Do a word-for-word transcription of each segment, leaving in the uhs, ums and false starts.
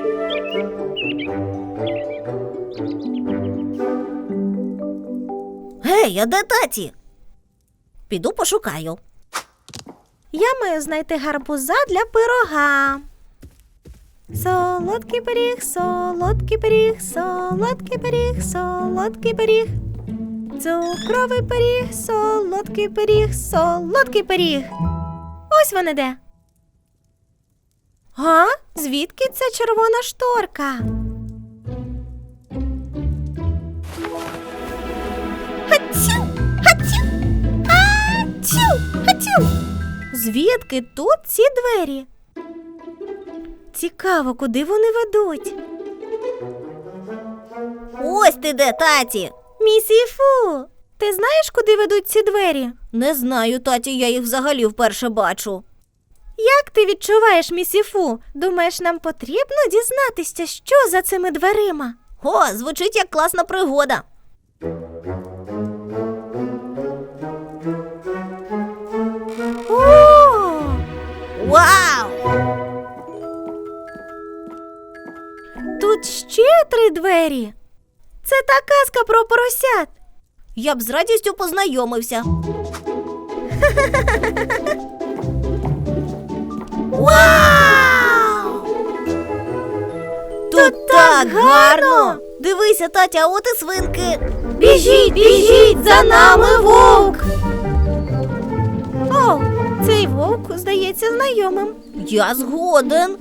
Гей, а де таті? Піду пошукаю. Я маю знайти гарбуза для пирога. Солодкий пиріг, солодкий пиріг, солодкий пиріг, солодкий пиріг. Цукровий пиріг, солодкий пиріг, солодкий пиріг. Ось вони де. А? Звідки ця червона шторка? Хатю! Хатю! Хатю! Хатю! Звідки тут ці двері? Цікаво, куди вони ведуть? Ось ти де, таті. Місіфу, ти знаєш, куди ведуть ці двері? Не знаю, таті, я їх взагалі вперше бачу. Як ти відчуваєш, Місіфу? Думаєш, нам потрібно дізнатися, що за цими дверима? О, звучить як класна пригода. О! Вау! Тут ще три двері. Це та казка про поросят. Я б з радістю познайомився. Вау! Тут так гарно! Дивися, татя, а от і свинки. Біжіть, біжіть, за нами вовк! О, цей вовк здається знайомим. Я згоден.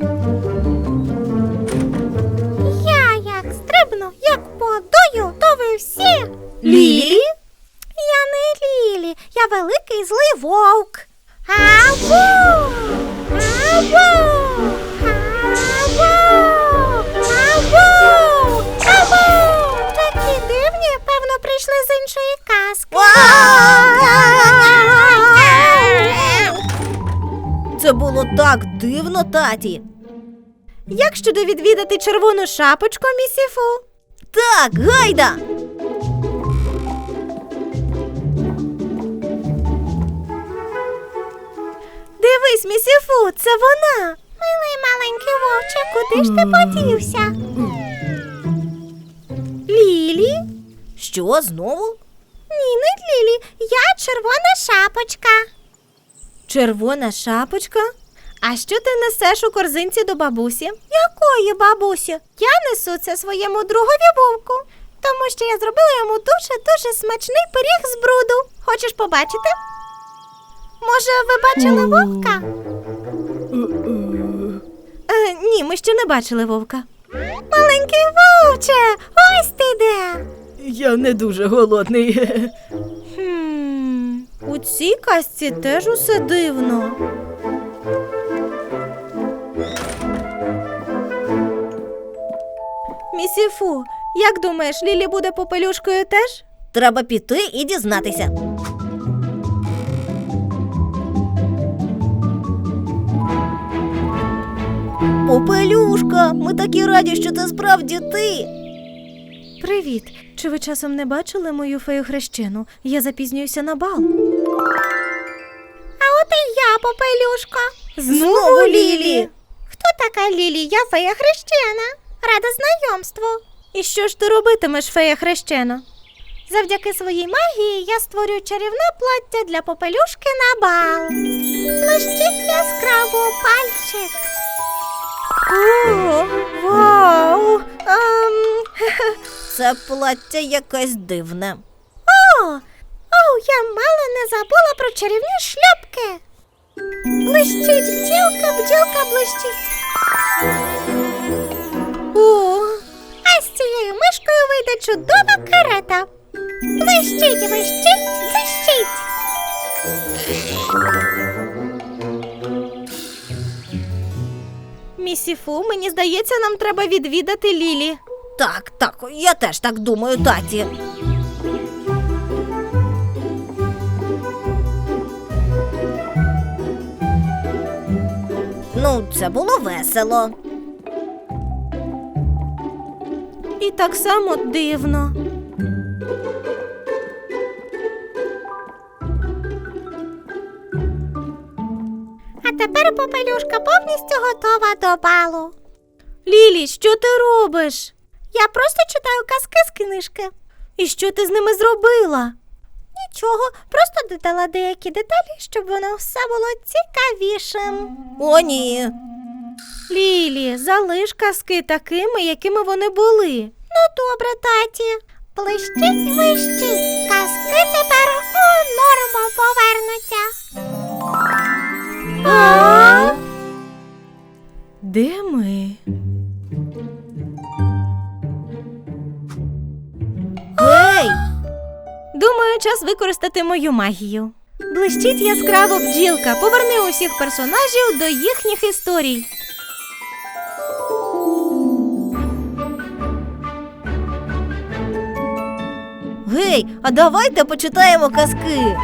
Я як стрибну, як подую, то ви всі. Лілі? Я не Лілі, я великий злий вовк. Ау! Ау! Ау! Ау! Ау! Такі дивні, певно, прийшли з іншої казки. Це було так дивно, таті. Як щодо відвідати червону шапочку, Місіфу? Так, гайда! Дивись, Місіфу, це вона. Милий маленький вовче, куди ж ти подівся? Лілі? Що, знову? Ні, не Лілі, я червона шапочка. Червона шапочка? А що ти несеш у корзинці до бабусі? Якої бабусі? Я несу це своєму другові вовку, тому що я зробила йому дуже-дуже смачний пиріг з бруду. Хочеш побачити? Може, ви бачили вовка? Е, ні, ми ще не бачили вовка. Маленький вовче, ось ти де. Я не дуже голодний. Хм, у цій казці теж усе дивно. Місіфу, як думаєш, Лілі буде попелюшкою теж? Треба піти і дізнатися. Попелюшка, ми такі раді, що це справді ти. Привіт. Чи ви часом не бачили мою фею хрещену? Я запізнююся на бал. А от і я, попелюшка. Знову Лілі. Хто така Лілі? Я фея хрещена. Рада знайомству. І що ж ти робитимеш, фея хрещена? Завдяки своїй магії я створю чарівне плаття для попелюшки на бал. Блищить яскраво пальчик. О, вау! Ем... Це плаття якесь дивне. О, о, я мало не забула про чарівні шляпки. Блищить бджілка, бджілка блищить. О, а з цією мишкою вийде чудова карета. Блищить, блищить, блищить. Місіфу, мені здається, нам треба відвідати Лілі. Так, так, я теж так думаю, таті. Ну, це було весело. І так само дивно. А тепер попелюшка повністю готова до балу. Лілі, що ти робиш? Я просто читаю казки з книжки. І що ти з ними зробила? Нічого, просто додала деякі деталі, щоб воно все було цікавішим. О, ні. Лілі, залиш казки такими, якими вони були. Ну, добре, таті. Блищить, вищить, казки тепер у норму повернуться. А? Де ми? Гей! Думаю, час використати мою магію. Блищить яскраво бджілка, поверни усіх персонажів до їхніх історій. Гей, а давайте почитаємо казки.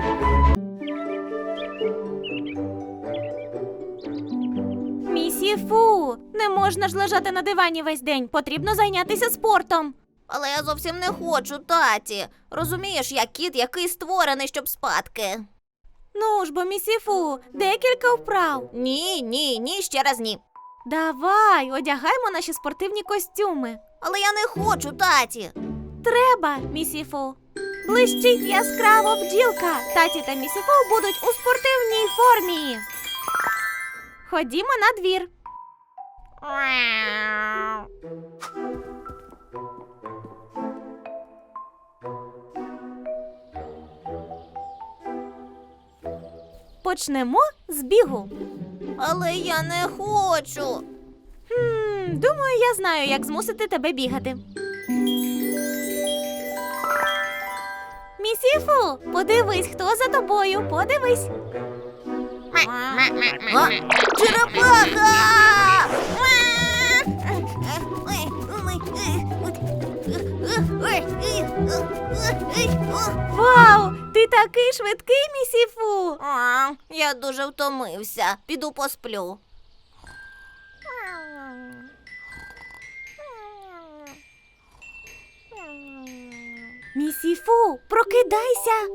Місіфу, не можна ж лежати на дивані весь день, потрібно зайнятися спортом. Але я зовсім не хочу, таті. Розумієш, я кіт, який створений, щоб спадки. Ну ж бо, Місіфу, декілька вправ. Ні, ні, ні, ще раз ні. Давай, одягаймо наші спортивні костюми. Але я не хочу, таті. Треба, Місіфу. Блищить яскраво бджілка. Таті та Місіфу будуть у спортивній формі. Ходімо на двір. Почнемо з бігу. Але я не хочу. Хм, думаю, я знаю, як змусити тебе бігати. Місіфу, подивись, хто за тобою, подивись. А? Черепаха! Вау, ти такий швидкий, Місіфу. А, я дуже втомився. Піду посплю. Місіфу, прокидайся.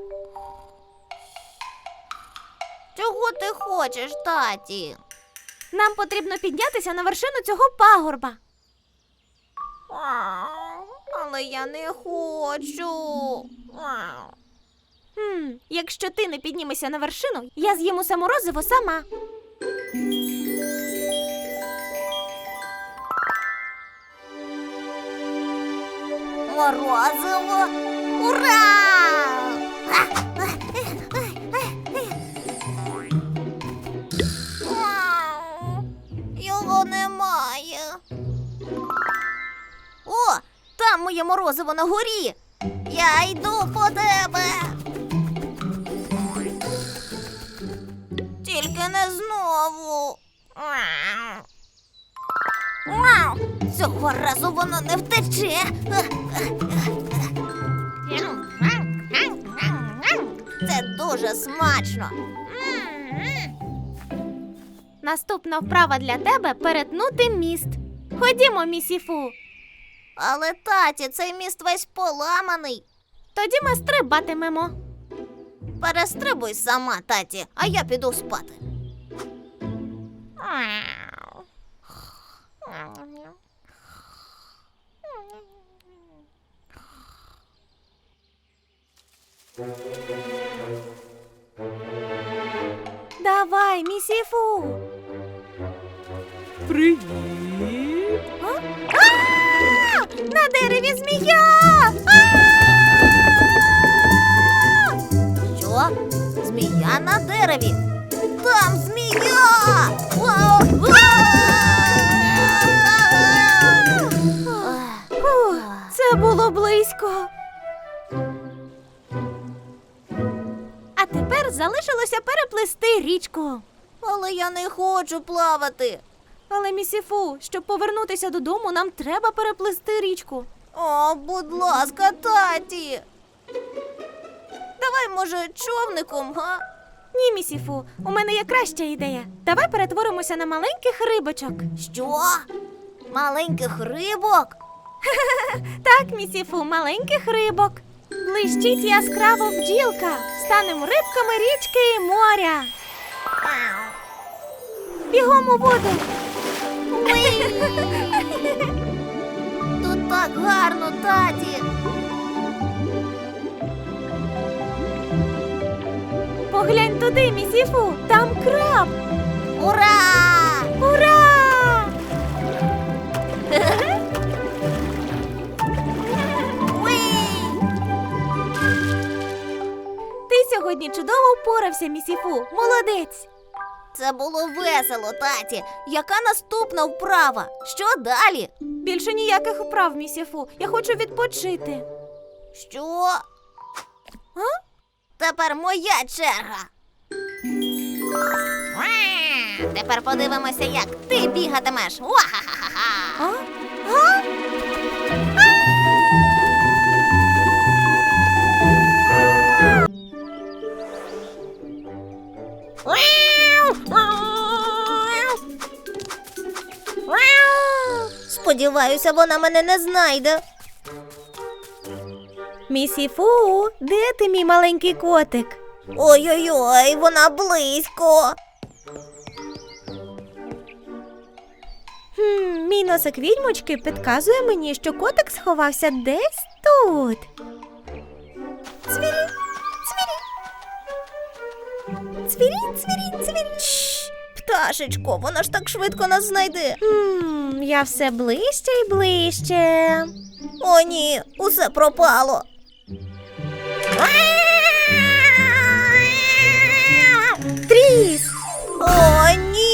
Чого ти хочеш, таті? Нам потрібно піднятися на вершину цього пагорба. А, але я не хочу. А. Хм, якщо ти не піднімешся на вершину, я з'їм усе морозиво сама. Морозиво! Ура! Його немає. О, там моє морозиво на горі. Я йду по тебе. Тільки не знову. Цього разу воно не втече. Це дуже смачно. Наступна вправа для тебе – перетнути міст. Ходімо, Місіфу. Але, таті, цей міст весь поламаний. Тоді ми стрибатимемо. Перестрибуй сама, таті, а я піду спати. Давай, Місіфу. Привіт! А? А! На дереві змія! Що? Змія на дереві? Там змія! Вау! Фух, це було близько. А тепер залишилося переплисти річку. Але я не хочу плавати. Але, Місіфу, щоб повернутися додому, нам треба переплисти річку. О, будь ласка, таті. Давай, може, човником, га? Ні, Місіфу, у мене є краща ідея. Давай перетворимося на маленьких рибочок. Що? Маленьких рибок? Так, Місіфу, маленьких рибок. Блищить яскраво бджілка. Станемо рибками річки і моря. Бігом у воду. Уй! Так гарно, таті. Поглянь туди, місіфу, там краб. Ура! Ура! Уй! Ти сьогодні чудово впорався, місіфу. Молодець. Це було весело, таті. Яка наступна вправа? Що далі? Більше ніяких вправ, місіфу. Я хочу відпочити. Що? А? Тепер моя черга. Ва! Тепер подивимося, як ти бігатимеш. Ва-ха-ха-ха! А? А? Сподіваюся, вона мене не знайде. Місіфу, де ти, мій маленький котик? Ой-ой-ой, вона близько. Хм, мій носик відьмочки підказує мені, що котик сховався десь тут. Цвірі, цвірі. Цвірі, цвірі, цвірі. Шш, пташечко, вона ж так швидко нас знайде. Хм, я все ближче і ближче. О, ні, усе пропало. Тріс! О, ні.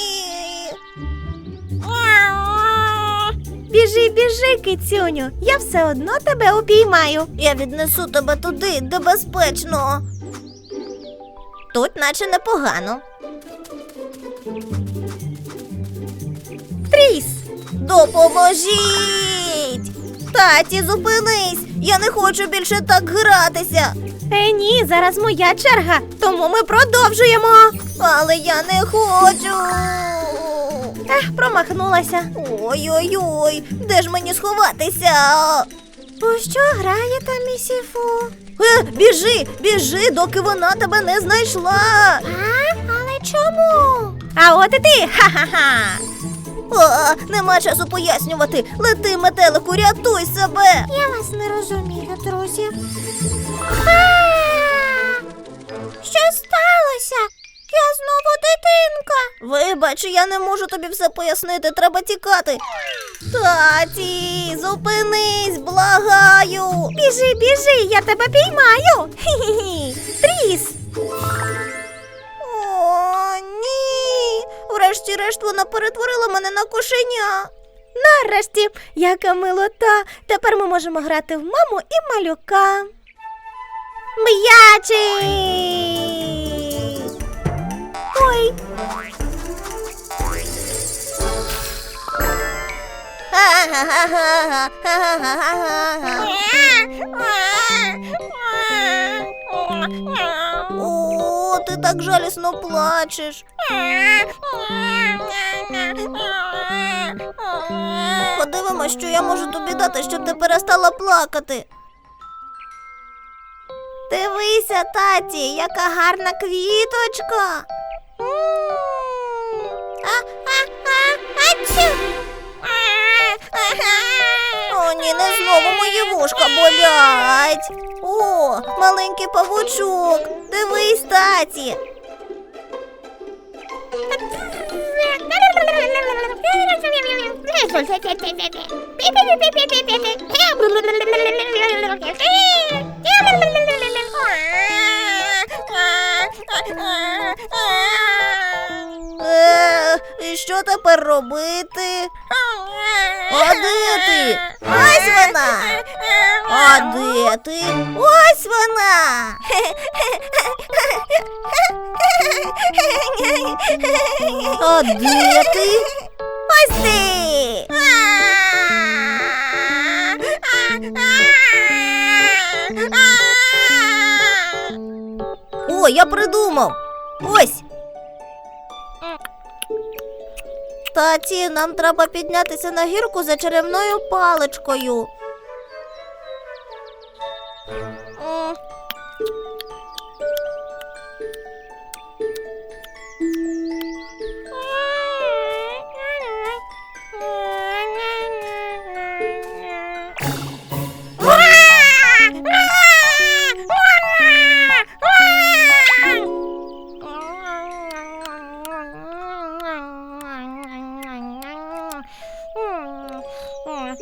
Біжи, біжи, кицюню, я все одно тебе упіймаю. Я віднесу тебе туди, де безпечно. Тут наче непогано. Тріс! Допоможіть! Таті, зупинись! Я не хочу більше так гратися. Е, ні, зараз моя черга, тому ми продовжуємо. Але я не хочу. Ех, промахнулася. Ой-ой-ой, де ж мені сховатися? У що граєте, місіфу? Е, біжи, біжи, доки вона тебе не знайшла. А? Але чому? А от і ти! Ха-ха-ха! О, нема часу пояснювати. Лети, метелику, рятуй себе. Я вас не розумію, друзі. Що сталося? Я знову дитинка. Вибач, я не можу тобі все пояснити, треба тікати. Таті, зупинись, благаю. Біжи, біжи, я тебе піймаю. Хі-хі-хі. Тріс! О, ні. Врешті-решт вона перетворила мене на кошеня. Нарешті, яка милота. Тепер ми можемо грати в маму і малюка. М'ячик! Ой, О, ти так жалісно плачеш. Подивимось, що я можу тобі дати, щоб ти перестала плакати. Дивися, таті, яка гарна квіточка. О, ні, не знову мої вушка болять. О, маленький павучок. Дивись, таті. Е, і що тепер робити? А де ти? Ось вона. А де ти? Ось вона. А де ти? Ось ти. О, я придумав. Ось. Таті, нам треба піднятися на гірку за чарівною паличкою. М.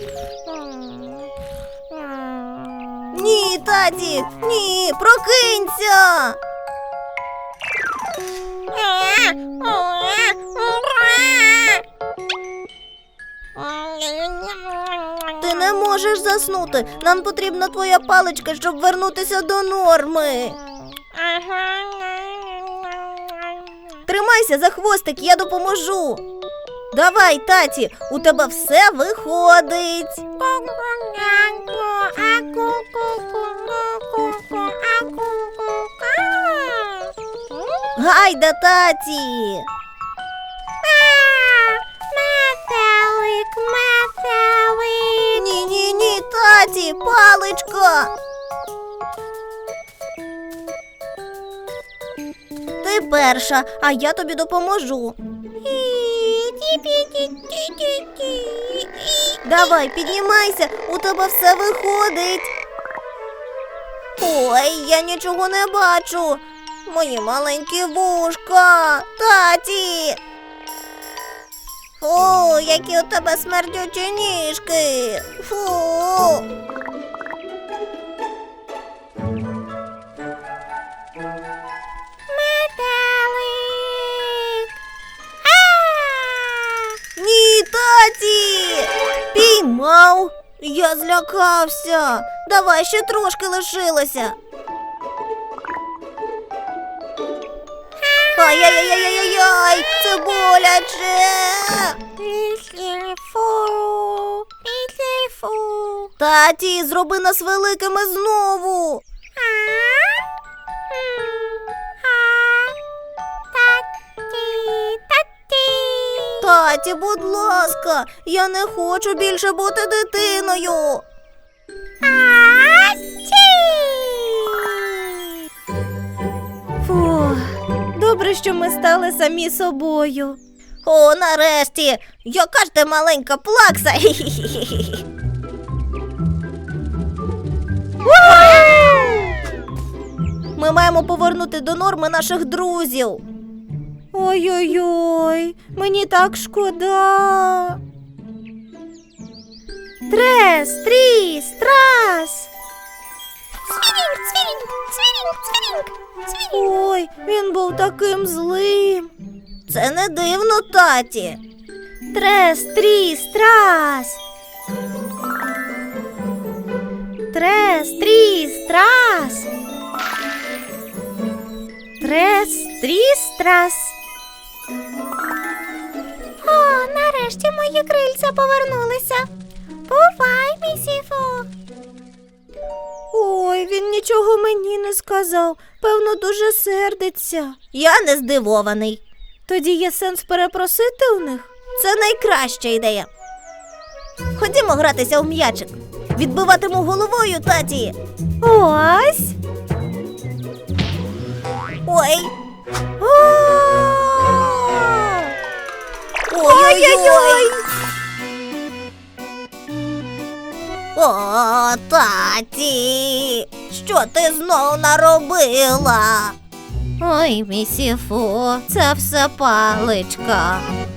Ні, таті, ні, прокинься. Ти не можеш заснути. Нам потрібна твоя паличка, щоб вернутися до норми. Тримайся за хвостик, я допоможу. Давай, таті, у тебе все виходить. Гайда, таті. Метелик, метелик. Ні, ні, ні, таті, паличка. Ти перша, а я тобі допоможу. Давай, піднімайся, у тебе все виходить. Ой, я нічого не бачу. Мої маленькі вушка. Таті. Фу, які у тебе смердючі ніжки. Фу. Метелик. Ні, таті! Піймав! Я злякався. Давай, ще трошки лишилося. Ай-яй-яй-яй-яй! Це боляче! Післіфу, післіфу. Таті, зроби нас великими знову. Таті, будь ласка, я не хочу більше бути дитиною. Фу, добре, що ми стали самі собою. О, нарешті, яка ж ти маленька плакса. Ми маємо повернути до норми наших друзів. Ой-ой-ой, мені так шкода. Трес, тріс, трас. Цвірінг, цвірінг, цвірінг, цвірінг, цвірінг. Ой, він був таким злим. Це не дивно, таті. Трес, тріс, трас. Трес, тріс, трас. Трес, тріс, трас. О, нарешті мої крильця повернулися. Бувай, місіфу. Ой, він нічого мені не сказав. Певно, дуже сердиться. Я не здивований. Тоді є сенс перепросити у них? Це найкраща ідея. Ходімо гратися у м'ячик. Відбиватиму головою, таті. Ось. Ой. Ой-ой-ой. О, таті, що ти знов наробила? Ой, місіфу, це все паличка.